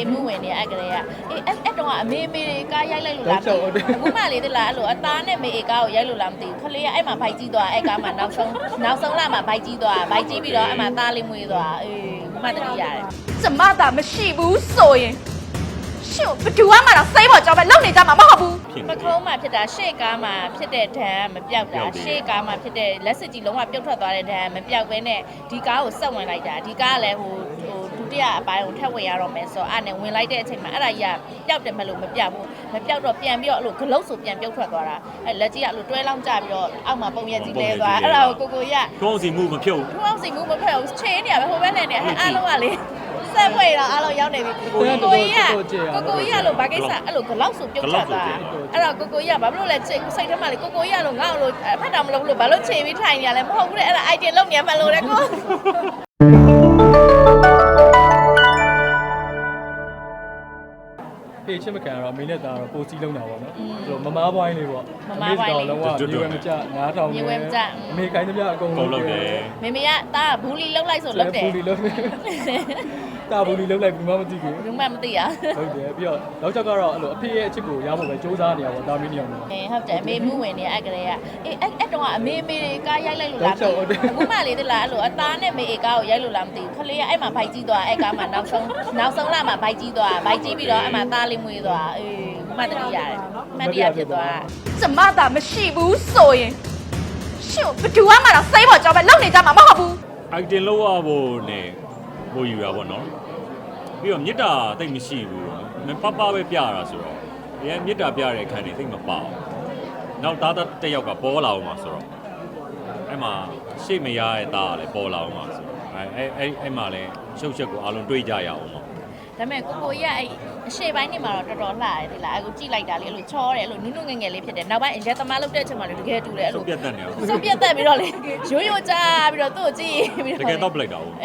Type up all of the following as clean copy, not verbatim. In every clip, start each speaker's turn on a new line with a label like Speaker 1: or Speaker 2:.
Speaker 1: မှုဝင်နေအဲ့ကလေးကအဲ့တော့အမေကားရိုက်လိုက်လို့လားအခုမှလေတလားအဲ့လိုအသားနဲ့မေကားကိုရိုက်လို့လားမသိဘူးခလေးကအဲ့မှာဘိုက်ကြီးသွားအဲ့ကားမှာနောက်ဆုံးလာမှာဘိုက်ကြီးသွားဘိုက်ကြီးပြီးတော့အဲ့မှာသားလေးမွေးသွားမှတတိရတယ်
Speaker 2: ကျမသာမရှိဘူးဆိုရင်ရှင့်ဘယ်သူမှတော့စိတ်ပေါ်ကြောက်ပဲလုံနေကြမှာမဟုတ်ဘူး
Speaker 1: ပခုံးမှာဖြစ်တာရှေ့ကားမှာဖြစ်တဲ့ဒဏ်မပြောက်တာရှေ့ကားမှာဖြစ်တဲ့လက်စစ်ကြီးလုံးဝပြုတ်ထွက်သွားတဲ့ဒဏ်မပြောက်ဘဲနဲ့ဒီကားကိုဆက်ဝင်လိုက်တာဒီကားကလည်းဟိုဒုတိယအပိုင်းကိုထပ်ဝင်ရတော့မယ်ဆိုတော့အဲ့နဲ့ဝင်လိုက်တဲ့အချိန်မှာအဲ့ဒါကြီးကပျောက်တယ်မလို့မပြောက်ဘူးမပြောက်တော့ပြန်ပြီးတော့အဲ့လိုဂလုတ်ဆိုပြန်ပြုတ်ထွက်သွားတာအဲ့လက်ကြီးကအဲ့လိုတွဲလောင်းကျပြီးတော့အောက်မှာပုံရက်ကြီးလဲသွားအဲ့ဒါကိုကိုရ
Speaker 3: ထုံးစီမှုမဖြုတ်
Speaker 1: ထုံးစီမှုမဖြုတ်ချေးနေရပဲဟိုဘက်နဲ့နေအားလုံးကလေဆက်ဖွေတော့အားလုံးရောက်နေပြီကိုကြီးကလို့ဘာကိစ္စအဲ့လိုဂလောက်ဆိုပြုတ်ချတာအဲ့တော့ကိုကြီးကဘာဖြစ်လို့လဲစိတ်ထဲမှာလေကိုကြီးကလို့ငါ့လို့ဖတ်တာမလုပ်ဘူးလို့ဘာလို့ခြေပြီးထိုင်နေရလဲမဟုတ်ဘူးလေအဲ့ဒါ idea လုပ်နေမှလို့လေကို
Speaker 4: ဖေးချစ်မခံတော့အမေနဲ့သားတော့ပိုစီးလုံးတာပေါ့နော်အဲ့လိုမမားပွိုင်းလေးပေါ့တော့လုံးဝမြေဝဲမကြ9000
Speaker 1: မြေဝဲမကြ
Speaker 4: အမေကိုင်းသမျှအကုန်
Speaker 3: လုံးလုပ်တယ်
Speaker 1: မေမေကတာဘူးလီလုံးလိုက်ဆိုလုပ်တယ်
Speaker 4: ဘူးလီလုံးတာဘူးလီလုံးလိုက်ဘူးမှမသိဘူး
Speaker 1: ဘူးမှမသိရ
Speaker 4: ဟုတ်တယ်ပြီးတော့နောက်ချက်ကတော့အဲ့လိုအဖေရဲ့အချစ်ကိုရဖို့ပဲစူးစမ်းနေရပါတော့တာမီးနေအောင်
Speaker 1: ဟုတ်တယ်အမေမှုဝင်နေအဲ့ကလေးကအဲ့တော့အမေကားရိုက်လိုက်လို့လားအခုမှလေတလားအဲ့လိုအသားနဲ့မေကားကိုရိုက်လို့လားမသိဘူးခလေးကအဲ့မှာဘိုက်ကြီးသွားအဲ့ကားမှာနောက်ဆုံးလာမှာဘိုက်ကြီးသွားဘိုက်ကြီးပြီးတော့အဲ့မှာသားလေးမွေးသွားမှတတိရတယ်မှတတိရဖြစ်သွား
Speaker 2: ကျမသာမရှိဘူးဆိုရင်ရှင့်ဘယ်သူမှတော့စိတ်ပေါ်ကြောက်ပဲလုံနေကြမှာမဟုတ်ဘူး
Speaker 3: item လောက်ရဖို့နဲ့ဟိုယူတာပေါ့နော်ပြီးတော့မြစ်တာတိတ်မရှိဘူးပပပဲပြရတာဆိုတော့ဒီမြစ်တာပြတဲ့အခန်းတွေတိတ်မပေါနောက်သားတစ်ယောက်ကပေါ်လာအောင်မှာဆိုတော့အဲ့မှာရှေ့မရတဲ့သားကလည်းပေါ်လာအောင်မှာဆိုတော့အဲ့မှာလည်းရှုပ်ချက်ကိုအားလုံးတွေးကြရအောင်ပေါ့
Speaker 1: ဒါပေမဲ့ကိုကြီးကအဲ့အရှေ့ပိုင်းနေမှာတော့တော်တော်လှတယ်ဒီလားအခုကြည့်လိုက်တာလေအဲ့လိုချောတယ်အဲ့လိုနုနုငယ်ငယ်လေးဖြစ်တယ်နောက်ပိုင်းအရက်သမားလုပ်တဲ့အချိန်မှာလည်းတကယ်တူတယ်အဲ့လို
Speaker 3: ပြတ်တက်နေ
Speaker 1: အောင်စုပ်ပြတ်တက်ပြီးတော့လေရိုးကြပြီးတော့သူ့ကိုကြည့်ပြီး
Speaker 3: တော့တကယ်တော့ပလိုက်တာဟုတ်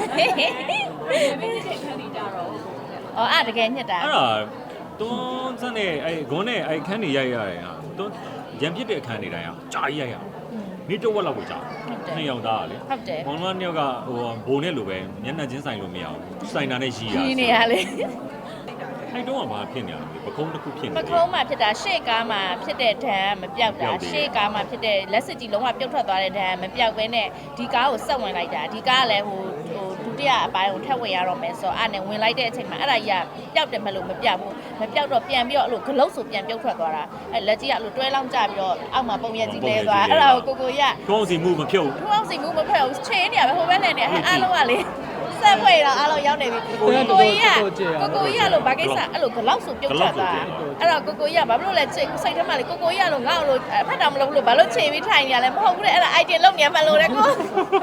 Speaker 1: အဲ့တကယ်ညက်တာ
Speaker 3: အဲ့ဒါတွန်းစနဲ့အဲ့ဂွန်းနဲ့အဲ့ခန်းနေရိုက်ရတယ်ဟာတွန်းရံပြစ်တဲ့အခန်းနေတိုင်းဟာကြာကြီးရိုက်ရမိတော့ဝက်လောက်ကိုကြာနှစ်ယောက်သားလေ
Speaker 1: ဟုတ်တယ်
Speaker 3: ဘောလုံးနှစ်ယောက်ကဟိုဘိုးနဲ့လိုပဲမျက်နှာချင်းဆိုင်လို့မရဘူးဆိုင်တာနဲ့ရီး
Speaker 1: နေရလေ
Speaker 3: အဲ့တော့ကဘာဖြစ်နေရလဲပကုံးတစ်ခုဖြစ်နေ
Speaker 1: ပကုံးမှာဖြစ်တာရှေ့ကားမှာဖြစ်တဲ့ဒဏ်မပြောက်တာရှေ့ကားမှာဖြစ်တဲ့လက်စစ်ကြီးလုံးဝပြုတ်ထွက်သွားတဲ့ဒဏ်မပြောက်ဘဲနဲ့ဒီကားကိုဆက်ဝင်လိုက်တာဒီကားကလည်းဟိုဒုတိယအပိုင်းကိုထပ်ဝင်ရတော့မယ်ဆိုတော့အဲ့နဲ့ဝင်လိုက်တဲ့အချိန်မှာအဲ့ဒါကြီးကပျောက်တယ်မလို့မပြောက်ဘူးမပြောက်တော့ပြန်ပြီးတော့အဲ့လိုဂလုတ်ဆိုပြန်ပြုတ်ထွက်သွားတာအဲ့လက်ကြီးကအဲ့လိုတွဲလောင်းကျပြီးတော့အောက်မှာပုံရက်ကြီးလဲသွားအဲ့ဒါကိုကိုရ
Speaker 3: ထုံးစီမှုမဖြုတ်
Speaker 1: ထုံးစီမှုမဖြုတ်ချေးနေရပဲဟိုဘက်နဲ့နေအားလုံးကလေဆက်ဖွေတော့အားလုံးရောက်နေပြီကိုကြီးကလို့ဘာကိစ္စအဲ့လိုဂလောက်ဆိုပြုတ်ချတာအဲ့တော့ကိုကြီးကဘာဖြစ်လို့လဲစိတ်ထဲမှာလေကိုကြီးကလို့ငါ့လို့ဖတ်တာမလုပ်ဘူးလို့ဘာလို့ခြေပြီးထိုင်နေရလဲမဟုတ်ဘူးလေအဲ့ဒါ idea လုပ်နေမှလို့လေကို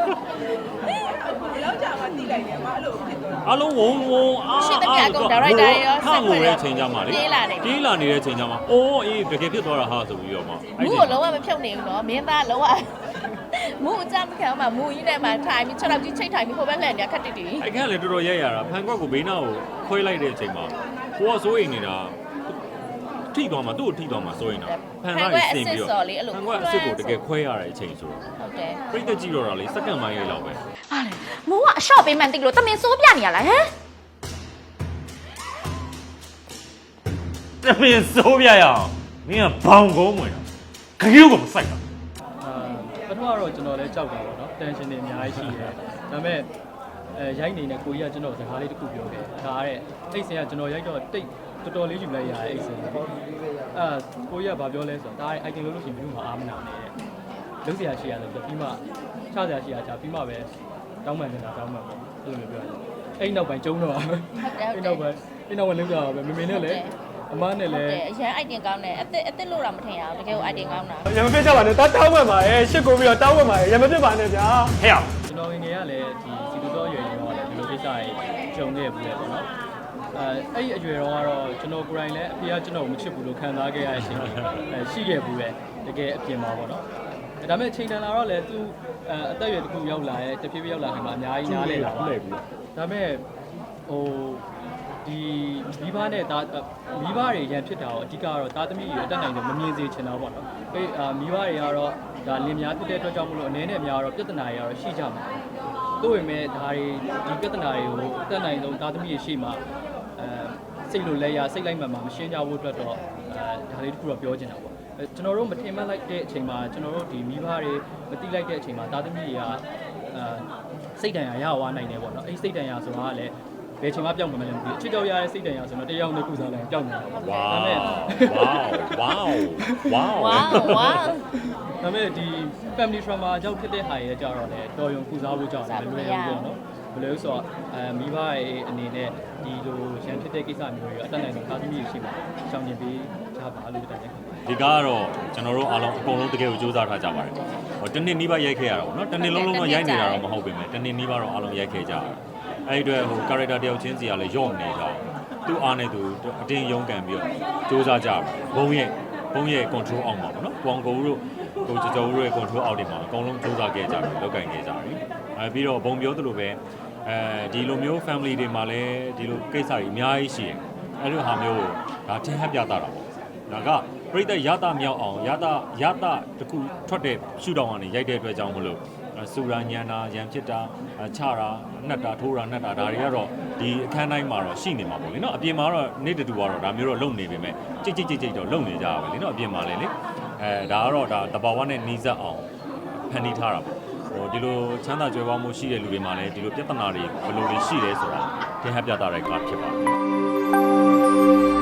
Speaker 5: လောက်ကြာမှတိလိုက်တယ်မှာအဲ့လိုဖြစ်သွား
Speaker 3: အလုံးဝုံ
Speaker 1: အားရှိတဲ့ကအကုန် director ရော
Speaker 3: ဆက်ဖွေတဲ့ချိန်ကြမှာလေပြေးလာနေတဲ့ချိန်ကြမှာအိုးအေးတကယ်ဖြစ်သွားတာဟာဆိုပြီးတော့မှ
Speaker 1: အဲ့ဒီလုံးဝမဖြုတ်နေဘူးနော်မင်းသားလုံးဝမူအကြမ်းခံမှာမူကြီးနဲ့မှထိုင်ပြီး6လောက်ကြီးချိတ်ထိုင်ပြီးဟိုဘက်လှည့်နေခက်တိတိ
Speaker 3: အဲ့ခန့်လည်းတော်တော်ရက်ရတာဖန်ကွက်ကိုဘေးနားကိုခွဲလိုက်တဲ့အချိန်မှာကိုကစိုးရိမ်နေတာထိသွားမှာသူ့ကိုထိသွားမှာစိုးရိမ်တာ
Speaker 1: ဖန်ကွက်အစ်စ်စော်လေးအဲ့လို
Speaker 3: ဖန်ကွက်အစ်စ်ကိုတကယ်ခွဲရတဲ့အချိန်ဆိုတော့
Speaker 1: ဟုတ်တယ်
Speaker 3: ပြိတ္တကြည့်တော့တာလေစက္ကန့်ပိုင်းလေးလောက်ပဲ
Speaker 2: ဟာလေမိုးကအရှော့ပေးမှန်တိလို့တမင်စိုးပြနေရလားဟမ်
Speaker 3: တမင်စိုးပြရအောင်မင်းကဘောင်ကုန်းဝင်တာခရုကမစိုက်တာ
Speaker 4: ပထမတော့ကျွန်တော်လည်းကြောက်တာပေါ့နော်တန်ရှင်တွေအများကြီးရှိတယ်ဒါပေမဲ့ရိုက်နေတဲ့ကိုကြီးကကျွန်တော်စကားလေးတစ်ခုပြောခဲ့ဒါတဲ့အိတ်စင်ကကျွန်တော်ရိုက်တော့တိတ်တော်တော်လေးယူလိုက်ရတဲ့အိတ်စင်ကိုကြီးကဘာပြောလဲဆိုတော့ဒါတဲ့ item လို့ရှိရင်ဘယ်သူမှအားမနာနဲ့လုံးစရာရှိရတယ်ဆိုပြီးမှချစရာရှိရချပြီးမှပဲတောင်းပန်နေတာတောင်းပန်ပေါ့အဲ့လိုမျိုးပြောရတယ်အဲ့နောက်ပိုင်းကျုံတော့အဲ့နောက်ပိုင်းလုံးကြတော့ပဲမေနဲ့လည်းအမနဲ့လည်း
Speaker 1: အရန် item ကောင်းတယ်အစ်လို့တော့မထင်ရဘူးတကယ်ကို item ကောင်းတာ
Speaker 4: ရမပြစ်ကြပါနဲ့တောင်းပန်ပါရဲ့ရှစ်ကိုပြီးတော့တောင်းပန်ပါရဲ့ရမပြစ်ပါနဲ့ဗျာ
Speaker 3: ဟဲ့
Speaker 4: ကျွန်တော်ငယ်ငယ်ကလည်းဒီစီတူတော်ရွယ်ရွယ်တော့လည်းဒီလိုကိစ္စတွေကြုံခဲ့ဘူးလေပေါ့နော်အဲ့ဒီအရွယ်တော့ကတော့ကျွန်တော်ကိုယ်တိုင်လည်းအဖေကကျွန်တော်ကိုမချစ်ဘူးလို့ခံစားခဲ့ရတဲ့အချိန်ရှိခဲ့ဘူးပဲတကယ်အပြင်မှာပေါ့နော်ဒါပေမဲ့ချိန်တန်လာတော့လည်းသူအသက်အရွယ်တစ်ခုရောက်လာရဲ့တဖြည်းဖြည်းရောက်လာခင်မှာအများကြီးနားလဲလာပါဒါပေမဲ့ဟိုဒီမိဘနဲ့မိဘတွေရန်ဖြစ်တာတော့အဓိကကတော့သားသမီးတွေအတက်နိုင်တယ်မမြင်စေချင်တော့ပေါ့နော်မိဘတွေကတော့ဒါလင်များဖြစ်တဲ့အတွက်ကြောင့်မလို့အနေနဲ့များတော့ပြဿနာတွေကတော့ရှိကြမှာတို့ပေမဲ့ဒါတွေဒီပြဿနာတွေကိုအတက်နိုင်ဆုံးသားသမီးတွေရှိမှစိတ်လိုလဲရစိတ်လိုက်မှန်မှမရှင်းကြဘူးအတွက်တော့ဒါလေးတစ်ခုတော့ပြောချင်တာပေါ့ကျွန်တော်တို့မထင်မှတ်လိုက်တဲ့အချိန်မှာကျွန်တော်တို့ဒီမိဘတွေမတိလိုက်တဲ့အချိန်မှာသားသမီးတွေကစိတ်တန်ရာရသွားနိုင်တယ်ပေါ့နော်အဲ့စိတ်တန်ရာဆိုတာကလည်းဘယ်ချိန်မှပြောင်းမလဲမသိဘူးအချစ်ကြောက်ရတဲ့စိတ်တန်ရာဆိုတော့တရားနဲ့ကုစားလိုက်ပြောင်းနေတာပေါ့
Speaker 3: ဝါ
Speaker 4: ဒါပေမဲ့
Speaker 3: ဝါဝါ
Speaker 1: ဝါဝါ
Speaker 4: ဒါပေမဲ့ဒီ family trauma ကြောင့်ဖြစ်တဲ့ဟာရဲ့ကြတော့လေတော်ရုံကုစားဖို့ကြောင့်လည်းလွယ်ဘူးပေါ့နော်ဘယ်လိုဆိုတော့မိဘရဲ့အနေနဲ့ဒီလိုရန်ဖြစ်တဲ့ကိစ္စမျိုးတွေအတက်နိုင်ဆုံးသားသမီးတွေရှိမှာရှောင်ကျင်ပေးကြပါလို့တိုက်တယ်
Speaker 3: ဒီကားကတော့ကျွန်တော်တို့အားလုံးအကုန်လုံးတကယ်ကိုစူးစမ်းထားကြပါတယ်ဟိုတနေ့နီးပါးရိုက်ခဲ့ရတာပေါ့နော်တနေ့လုံးလုံးတော့ရိုက်နေတာတော့မဟုတ်ပေမဲ့တနေ့နီးပါးတော့အားလုံးရိုက်ခဲ့ကြတယ်အဲ့ဒီအတွက်ဟို character တယောက်ချင်းစီကလည်းယော့နေကြတယ်သူ့အားနဲ့သူအတင်းရုန်းကန်ပြီးတော့စူးစမ်းကြတယ်ဘုံရဲ့ control အောက်မှာပေါ့နော်ပေါင်ကိုတို့ကိုကျော်ကျော်တို့ရဲ့ control အောက်တွေမှာအကုန်လုံးစူးစမ်းခဲ့ကြတယ်လောက်ကင်ခဲ့ကြတယ်ပြီးတော့ဘုံပြောသလိုပဲဒီလိုမျိုး family တွေမှာလည်းဒီလိုကိစ္စတွေအများကြီးရှိတယ်အဲ့လိုဟာမျိုးကိုဒါထင်ဟပ်ပြတာပေါ့ဒါကပြိတ္တရတာမြောက်အောင်ရတာတခုထွက်တဲ့ရှုထောင့်ကနေရိုက်တဲ့အတွက်ကြောင့်မလို့စူရာညံတာရံဖြစ်တာချတာနှက်တာထိုးတာနှက်တာဒါတွေကတော့ဒီအခန်းတိုင်းမှာတော့ရှိနေမှာပေါ့လေနော်အပြင်မှာတော့နေ့တူကတော့ဒါမျိုးတော့လုံနေပေမဲ့ကြိတ်တော့လုံနေကြပါပဲလေနော်အပြင်မှာလည်းလေဒါကတော့ဒါတဘာဝနဲ့နီးစပ်အောင်ဖန်တီးထားတာပေါ့ဟိုဒီလိုချမ်းသာကြွယ်ဝမှုရှိတဲ့လူတွေမှာလည်းဒီလိုပြဿနာတွေဘယ်လိုတွေရှိလဲဆိုတာသင်ဟပ်ပြတာတဲ့ကားဖြစ်ပါတယ်